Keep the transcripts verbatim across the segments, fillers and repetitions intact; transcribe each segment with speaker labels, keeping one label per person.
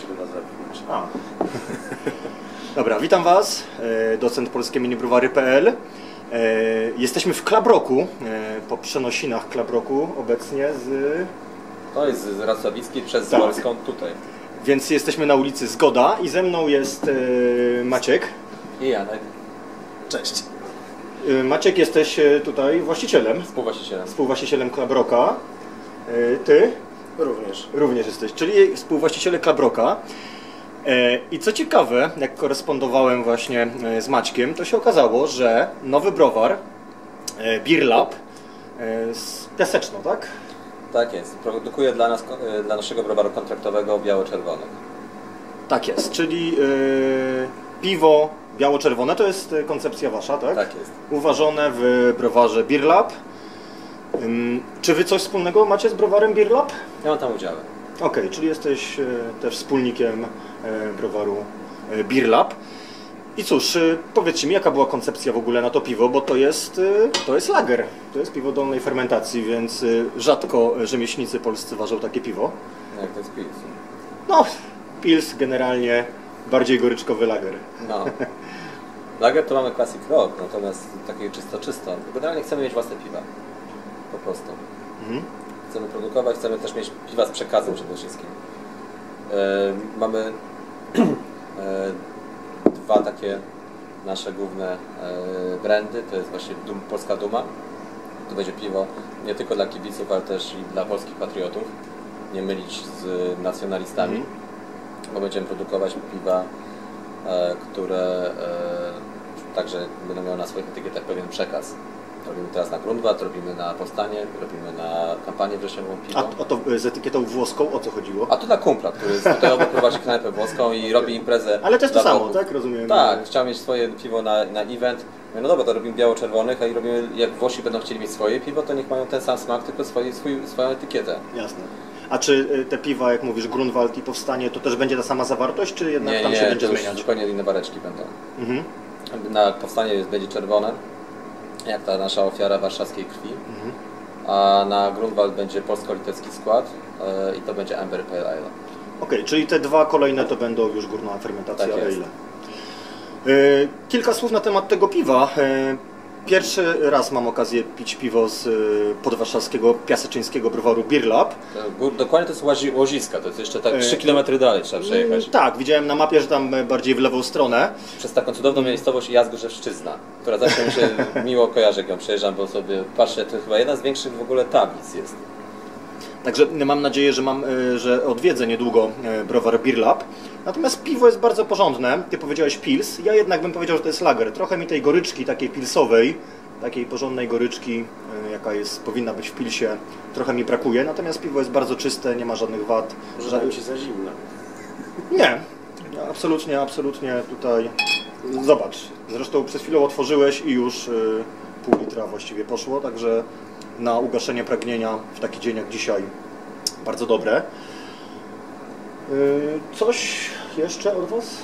Speaker 1: żeby nas zapiąć.
Speaker 2: A. Dobra, witam Was, docent polskie minibrowary kropka p l. Jesteśmy w Club Rocku, po przenosinach Club Rocku obecnie z...
Speaker 3: To jest z Racławickiej przez
Speaker 2: Tak.
Speaker 3: Polską tutaj.
Speaker 2: Więc jesteśmy na ulicy Zgoda i ze mną jest Maciek.
Speaker 3: I Janek.
Speaker 1: Cześć.
Speaker 2: Maciek, jesteś tutaj właścicielem,
Speaker 3: Współwłaścicielem.
Speaker 2: współwłaścicielem Club Rocka. Ty?
Speaker 1: Również.
Speaker 2: Również jesteś, czyli współwłaściciele Club Rocka. I co ciekawe, jak korespondowałem właśnie z Maćkiem, to się okazało, że nowy browar Beer Lab z Piaseczno, tak?
Speaker 3: Tak jest. Produkuje dla nas, dla naszego browaru kontraktowego biało-czerwonych.
Speaker 2: Tak jest, czyli yy, piwo biało-czerwone, to jest koncepcja Wasza, tak?
Speaker 3: Tak jest.
Speaker 2: Uważone w browarze Beer Lab. Ym, czy Wy coś wspólnego macie z browarem Beer Lab?
Speaker 3: Ja mam tam udziały.
Speaker 2: Okej, okay, czyli jesteś e, też wspólnikiem e, browaru e, Beer Lab. I cóż, e, powiedzcie mi, jaka była koncepcja w ogóle na to piwo, bo to jest, e, to jest lager, to jest piwo dolnej fermentacji, więc e, rzadko rzemieślnicy polscy ważą takie piwo.
Speaker 3: Jak to jest pils?
Speaker 2: No, pils generalnie bardziej goryczkowy lager.
Speaker 3: No. Lager to mamy Classic Rock, natomiast takie czysto czysto. Generalnie chcemy mieć własne piwa. Po prostu.
Speaker 2: Mhm.
Speaker 3: Chcemy produkować, chcemy też mieć piwa z przekazem przede wszystkim. E, mamy e, dwa takie nasze główne e, brandy, to jest właśnie Dum, Polska Duma. To będzie piwo nie tylko dla kibiców, ale też i dla polskich patriotów. Nie mylić z nacjonalistami, mm. bo będziemy produkować piwa, e, które e, także będą miały na swoich etykietach pewien przekaz. Robimy teraz na Grunwald, robimy na Powstanie, robimy na kampanię wrześniową piwo.
Speaker 2: A, a to z etykietą włoską o co chodziło?
Speaker 3: A to dla kumpla, który jest tutaj obok, prowadzi knajpę włoską i robi imprezę.
Speaker 2: Ale to jest to samo,
Speaker 3: wokół.
Speaker 2: tak? Rozumiem.
Speaker 3: Tak, chciał mieć swoje piwo na, na event. Mówię, no dobra, to robimy biało-czerwonych, a i robimy, jak Włosi będą chcieli mieć swoje piwo, to niech mają ten sam smak, tylko swoje, swój, swoją etykietę.
Speaker 2: Jasne. A czy te piwa, jak mówisz, Grunwald i Powstanie, to też będzie ta sama zawartość, czy jednak
Speaker 3: nie,
Speaker 2: tam
Speaker 3: nie,
Speaker 2: się będzie
Speaker 3: to już
Speaker 2: zmieniać?
Speaker 3: zupełnie inne bareczki będą.
Speaker 2: Mhm.
Speaker 3: Na Powstanie jest, będzie czerwone, jak ta nasza ofiara warszawskiej krwi,
Speaker 2: Mhm.
Speaker 3: a na Grunwald będzie polsko-litewski skład yy, i to będzie Amber Pale Ale.
Speaker 2: Okej, okay, czyli te dwa kolejne to będą już górna fermentacja
Speaker 3: Tak
Speaker 2: ale.
Speaker 3: jest.
Speaker 2: Yy, kilka słów na temat tego piwa. Yy, Pierwszy raz mam okazję pić piwo z podwarszawskiego, piaseczyńskiego browaru Beer Lab.
Speaker 3: Dokładnie to jest Łazi, Łoziska, to jest jeszcze tak trzy kilometry dalej trzeba przejechać.
Speaker 2: Tak, widziałem na mapie, że tam bardziej w lewą stronę.
Speaker 3: Przez taką cudowną miejscowość Jazgorzewszczyzna, która zawsze mi się miło kojarzy, jak ją przejeżdżam, bo sobie patrzę, to chyba jedna z większych w ogóle tablic jest.
Speaker 2: Także mam nadzieję, że, mam, że odwiedzę niedługo browar Beer Lab. Natomiast piwo jest bardzo porządne. Ty powiedziałeś pils, ja jednak bym powiedział, że to jest lager. Trochę mi tej goryczki takiej pilsowej, takiej porządnej goryczki, jaka jest, powinna być w pilsie, trochę mi brakuje. Natomiast piwo jest bardzo czyste, nie ma żadnych wad.
Speaker 1: Może
Speaker 2: Ża...
Speaker 1: Ci za zimno.
Speaker 2: Nie, absolutnie, absolutnie tutaj. Zobacz, zresztą przed chwilą otworzyłeś i już y, pół litra właściwie poszło, także na ugaszenie pragnienia w taki dzień jak dzisiaj bardzo dobre. Y, coś jeszcze od Was?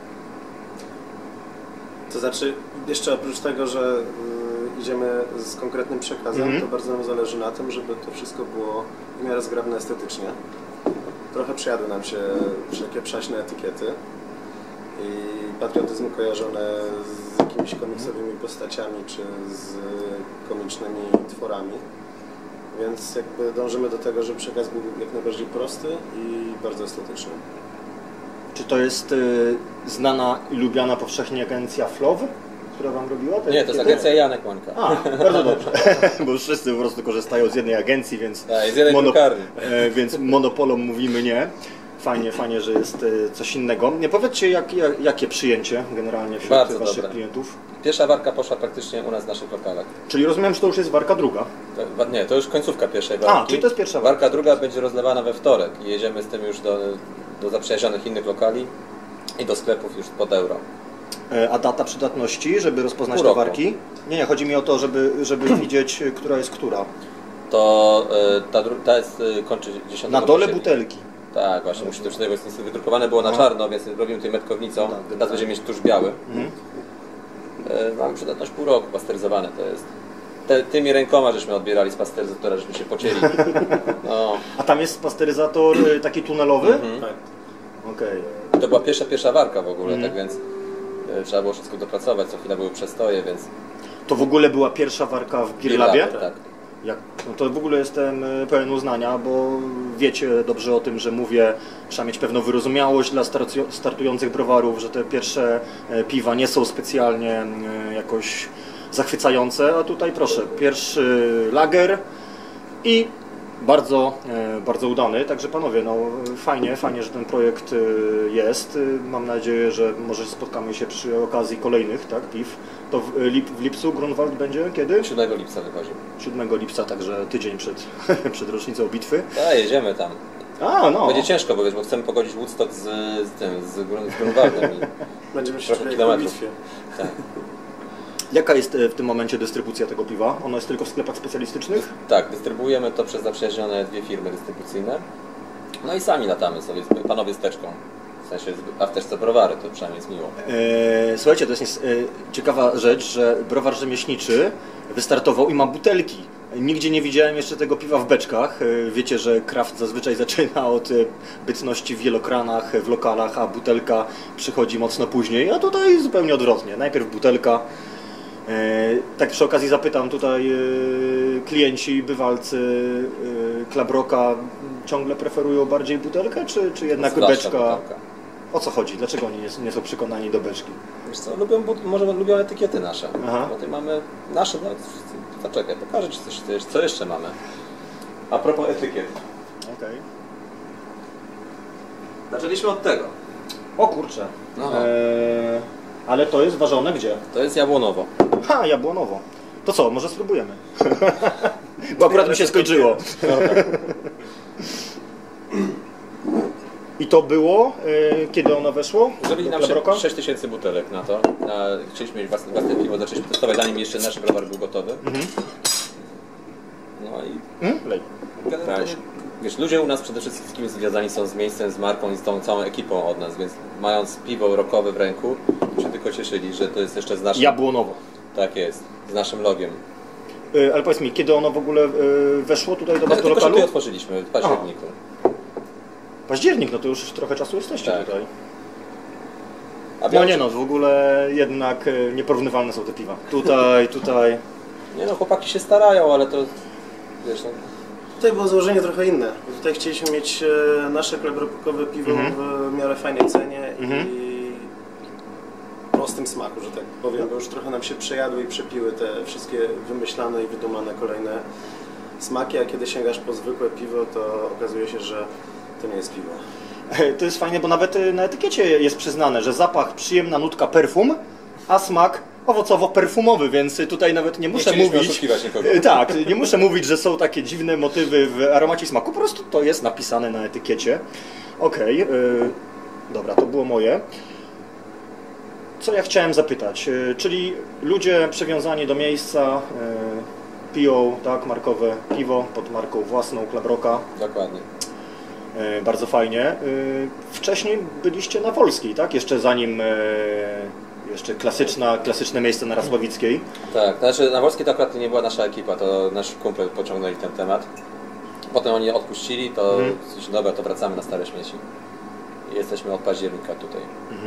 Speaker 1: To znaczy, jeszcze oprócz tego, że y, idziemy z konkretnym przekazem,
Speaker 2: Mhm.
Speaker 1: to bardzo nam zależy na tym, żeby to wszystko było w miarę zgrabne estetycznie. Trochę przejadły nam się wszelkie przaśne etykiety i patriotyzm kojarzony z jakimiś komiksowymi postaciami czy z komicznymi tworami. Więc jakby dążymy do tego, żeby przekaz był jak najbardziej prosty i bardzo estetyczny.
Speaker 2: Czy to jest y, znana i lubiana powszechnie agencja Flow, która Wam robiła? Te
Speaker 3: Nie, to jest
Speaker 2: etykiety?
Speaker 3: agencja Janek Łąka.
Speaker 2: A, bardzo dobrze, bo już wszyscy po prostu korzystają z jednej agencji, więc,
Speaker 3: Tak, z jednej drukarni.
Speaker 2: e, więc monopolom mówimy nie. Fajnie, fajnie, że jest e, coś innego. Nie powiedzcie, jak, jak, jakie przyjęcie generalnie wśród
Speaker 3: Bardzo
Speaker 2: Waszych
Speaker 3: dobre.
Speaker 2: klientów?
Speaker 3: Pierwsza warka poszła praktycznie u nas w naszych lokalach.
Speaker 2: Czyli rozumiem, że to już jest warka druga.
Speaker 3: To, nie, to już końcówka pierwszej warki.
Speaker 2: A, czyli to jest pierwsza warka.
Speaker 3: Warka druga będzie rozlewana we wtorek i jedziemy z tym już do, do zaprzyjaźnionych innych lokali i do sklepów już pod euro.
Speaker 2: E, a data przydatności, żeby rozpoznać
Speaker 3: Pół
Speaker 2: te
Speaker 3: roku.
Speaker 2: warki? Nie, nie, chodzi mi o to, żeby, żeby widzieć, która jest która.
Speaker 3: To y, ta, dru- ta jest, y, kończy dziesiątego
Speaker 2: Na dole
Speaker 3: października.
Speaker 2: butelki.
Speaker 3: Tak, właśnie, musi to czytać, bo jest niestety wydrukowane było na
Speaker 2: No.
Speaker 3: czarno, więc robimy tutaj metkownicą.
Speaker 2: No tak,
Speaker 3: Teraz
Speaker 2: tak.
Speaker 3: będziemy mieć tuż biały.
Speaker 2: Mhm.
Speaker 3: E, Mamy przydatność pół roku, pasteryzowane to jest. Te, tymi rękoma żeśmy odbierali z pasteryzatora, żeśmy się pocieli. No.
Speaker 2: A tam jest pasteryzator y, taki tunelowy?
Speaker 3: Mhm.
Speaker 1: Tak.
Speaker 2: Okej.
Speaker 3: To była pierwsza, pierwsza warka w ogóle,
Speaker 2: Mhm.
Speaker 3: tak więc e, trzeba było wszystko dopracować, co chwilę były przestoje, więc...
Speaker 2: To w ogóle była pierwsza warka w Beer Labie?
Speaker 3: Tak.
Speaker 2: Jak, no to w ogóle jestem e, pełen uznania, bo wiecie dobrze o tym, że mówię, trzeba mieć pewną wyrozumiałość dla startu- startujących browarów, że te pierwsze e, piwa nie są specjalnie e, jakoś zachwycające, a tutaj proszę, pierwszy lager i bardzo, e, bardzo udany, także panowie, no fajnie, fajnie, że ten projekt e, jest. E, Mam nadzieję, że może spotkamy się przy okazji kolejnych, tak, piw. To w, lip, w lipcu Grunwald będzie kiedy?
Speaker 3: siódmego lipca wychodzi.
Speaker 2: siódmego lipca, także tydzień przed, przed rocznicą bitwy.
Speaker 3: A, jedziemy tam.
Speaker 2: A, no.
Speaker 3: Będzie ciężko, bo, wiesz, bo chcemy pogodzić Woodstock z, z tym, z, Grun- z Grunwaldem. I...
Speaker 1: Będziemy się
Speaker 3: Trochę
Speaker 1: czuli jak
Speaker 3: kilometrów.
Speaker 1: w bitwie.
Speaker 3: Tak.
Speaker 2: Jaka jest e, w tym momencie dystrybucja tego piwa? Ono jest tylko w sklepach specjalistycznych?
Speaker 3: Tak, dystrybuujemy to przez zaprzyjaźnione dwie firmy dystrybucyjne. No i sami latamy sobie, panowie z teczką. W sensie, a w teczce browary, to przynajmniej jest miło.
Speaker 2: E, słuchajcie, to jest nies- e, ciekawa rzecz, że browar rzemieślniczy wystartował i ma butelki. Nigdzie nie widziałem jeszcze tego piwa w beczkach. E, Wiecie, że kraft zazwyczaj zaczyna od e, bytności w wielokranach, w lokalach, a butelka przychodzi mocno później, a tutaj zupełnie odwrotnie. Najpierw butelka. E, Tak przy okazji zapytam tutaj, e, klienci, bywalcy e, Klabroka ciągle preferują bardziej butelkę, czy, czy jednak
Speaker 3: Zwłaszcza
Speaker 2: beczka?
Speaker 3: butelka.
Speaker 2: O co chodzi? Dlaczego oni nie, nie są przekonani do beczki?
Speaker 3: Wiesz co, lubią, but- może lubią etykiety nasze.
Speaker 2: Aha.
Speaker 3: Bo tutaj mamy nasze, no, zaczekaj, pokażę Ci coś, coś, co jeszcze mamy. A propos etykiet.
Speaker 2: Okej.
Speaker 3: Zaczęliśmy od tego.
Speaker 2: O kurczę.
Speaker 3: No.
Speaker 2: Eee, ale to jest ważone gdzie?
Speaker 3: To jest jabłonowo.
Speaker 2: Ha, jabłonowo. To co, może spróbujemy? Bo akurat mi się skończyło. I to było, e, kiedy ono weszło?
Speaker 3: Zrobili
Speaker 2: do
Speaker 3: nam
Speaker 2: Klabroka?
Speaker 3: sześć tysięcy butelek na to. Na, chcieliśmy mieć własne, własne piwo, zaczęliśmy testować, zanim jeszcze nasz browar był gotowy.
Speaker 2: Mhm.
Speaker 3: No i
Speaker 2: Hmm? Lej.
Speaker 3: generalnie, wiesz, ludzie u nas przede wszystkim związani są z miejscem, z marką i z tą całą ekipą od nas, więc mając piwo rockowe w ręku, się tylko cieszyli, że to jest jeszcze z naszym...
Speaker 2: Jabłonowo.
Speaker 3: Tak jest, z naszym logiem.
Speaker 2: E, ale powiedz mi, kiedy ono w ogóle e, weszło tutaj do was do
Speaker 3: Tylko, że
Speaker 2: lokalu?
Speaker 3: tutaj otworzyliśmy w październiku.
Speaker 2: Październik, no to już trochę czasu jesteście
Speaker 3: Tak.
Speaker 2: tutaj.
Speaker 3: A
Speaker 2: No
Speaker 3: białe-
Speaker 2: nie no, w ogóle jednak e, nieporównywalne są te piwa. Tutaj, tutaj.
Speaker 3: Nie no, chłopaki się starają, ale to... Wiesz, no,
Speaker 1: Tutaj było założenie trochę inne. Tutaj chcieliśmy mieć e, nasze klebrokowe piwo
Speaker 2: Mhm.
Speaker 1: w miarę fajnej cenie
Speaker 2: Mhm.
Speaker 1: i prostym smaku, że tak powiem, bo już trochę nam się przejadły i przepiły te wszystkie wymyślane i wydumane kolejne smaki, a kiedy sięgasz po zwykłe piwo, to okazuje się, że to nie jest piwo.
Speaker 2: To jest fajne, bo nawet y, na etykiecie jest przyznane, że zapach przyjemna nutka perfum, a smak owocowo-perfumowy, więc tutaj nawet nie muszę
Speaker 3: chcieliśmy
Speaker 2: mówić.
Speaker 3: oszukiwać nikogo.
Speaker 2: Y, Tak, nie muszę mówić, że są takie dziwne motywy w aromacie i smaku, po prostu to jest napisane na etykiecie. Okej, y, dobra, to było moje. Co ja chciałem zapytać, y, czyli ludzie przywiązani do miejsca y, piją tak markowe piwo pod marką własną Klabroka.
Speaker 3: Dokładnie.
Speaker 2: E, Bardzo fajnie. E, Wcześniej byliście na Wolskiej, tak? Jeszcze zanim e, jeszcze klasyczna, klasyczne miejsce na Rasławickiej.
Speaker 3: Tak, znaczy na Wolskiej to akurat nie była nasza ekipa, to nasz kumpel pociągnęli ten temat. Potem oni odpuścili, to
Speaker 2: Mhm.
Speaker 3: mhm. dobra, to wracamy na stare śmieci. I jesteśmy od października tutaj.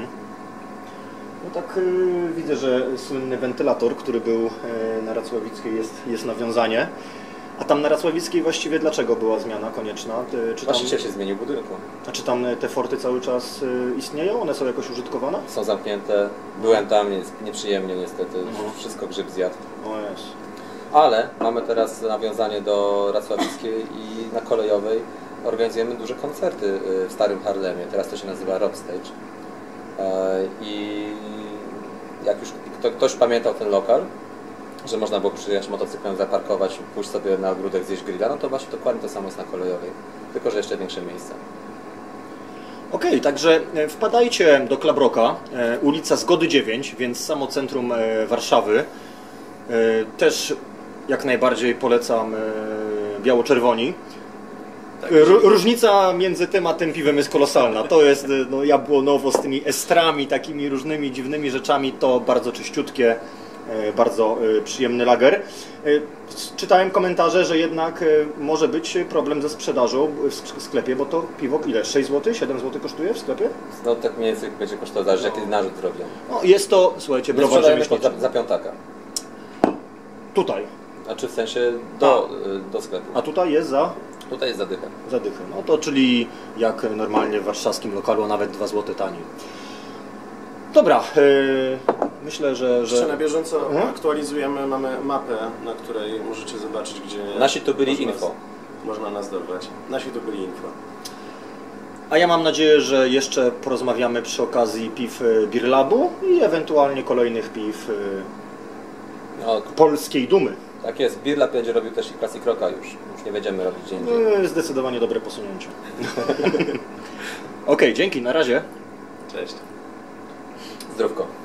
Speaker 2: No tak e, widzę, że słynny wentylator, który był e, na Racławickiej jest, jest nawiązanie. A tam na Racławickiej właściwie dlaczego była zmiana konieczna? Ty- Czy tam,
Speaker 3: Właściciel się zmienił budynku.
Speaker 2: a czy tam te forty cały czas e, istnieją? One są jakoś użytkowane?
Speaker 3: Są zamknięte, byłem tam, jest nieprzyjemnie niestety,
Speaker 2: Mhm.
Speaker 3: wszystko grzyb zjadł.
Speaker 2: O jest.
Speaker 3: Ale mamy teraz nawiązanie do Racławickiej i na Kolejowej organizujemy duże koncerty y, w Starym Harlemie. Teraz to się nazywa Rock Stage. E, I jak już kto, ktoś pamiętał ten lokal, że można było przyjechać motocyklem, zaparkować, pójść sobie na ogródek, zjeść grilla, no to właśnie dokładnie to samo jest na Kolejowej. Tylko że jeszcze większe miejsce.
Speaker 2: Okej, także e, wpadajcie do Klabroka, e, ulica Zgody dziewięć, więc samo centrum e, Warszawy. E, Też jak najbardziej polecam e, biało-czerwoni. Ró- Różnica między tym a tym piwem jest kolosalna. To jest e, no, jabłonowo z tymi estrami, takimi różnymi dziwnymi rzeczami, to bardzo czyściutkie, e, bardzo e, przyjemny lager. E, czytałem komentarze, że jednak e, może być problem ze sprzedażą w sk- sklepie, bo to piwo ile? sześć złotych, siedem złotych kosztuje w sklepie?
Speaker 3: No tak mniej więcej będzie kosztowało, zależy jaki narzut robią.
Speaker 2: No, jest to, słuchajcie,
Speaker 3: My
Speaker 2: browar
Speaker 3: sprzedajemy za,
Speaker 2: rzemieślniczy.
Speaker 3: za piątaka.
Speaker 2: Tutaj.
Speaker 3: Znaczy w sensie do, do sklepu.
Speaker 2: A tutaj jest za
Speaker 3: Tutaj jest zadycha.
Speaker 2: zadychę. No to czyli jak normalnie w warszawskim lokalu, a nawet dwa złote taniej. Dobra, yy, myślę, że...
Speaker 1: Jeszcze
Speaker 2: że...
Speaker 1: na bieżąco
Speaker 2: Mhm.
Speaker 1: aktualizujemy, mamy mapę, na której możecie zobaczyć, gdzie...
Speaker 3: Nasi tu byli
Speaker 1: można
Speaker 3: info.
Speaker 1: nas- Można nas dorwać. Nasi tu byli info.
Speaker 2: A ja mam nadzieję, że jeszcze porozmawiamy przy okazji piw y, Beer Labu i ewentualnie kolejnych piw y,
Speaker 3: No,
Speaker 2: polskiej dumy.
Speaker 3: tak jest, Birla będzie robił też i Classic Rocka już. Już nie będziemy robić gdzie indziej.
Speaker 2: Y, Zdecydowanie dobre posunięcie. Okej, dzięki, na razie.
Speaker 1: Cześć.
Speaker 3: Zdrówko.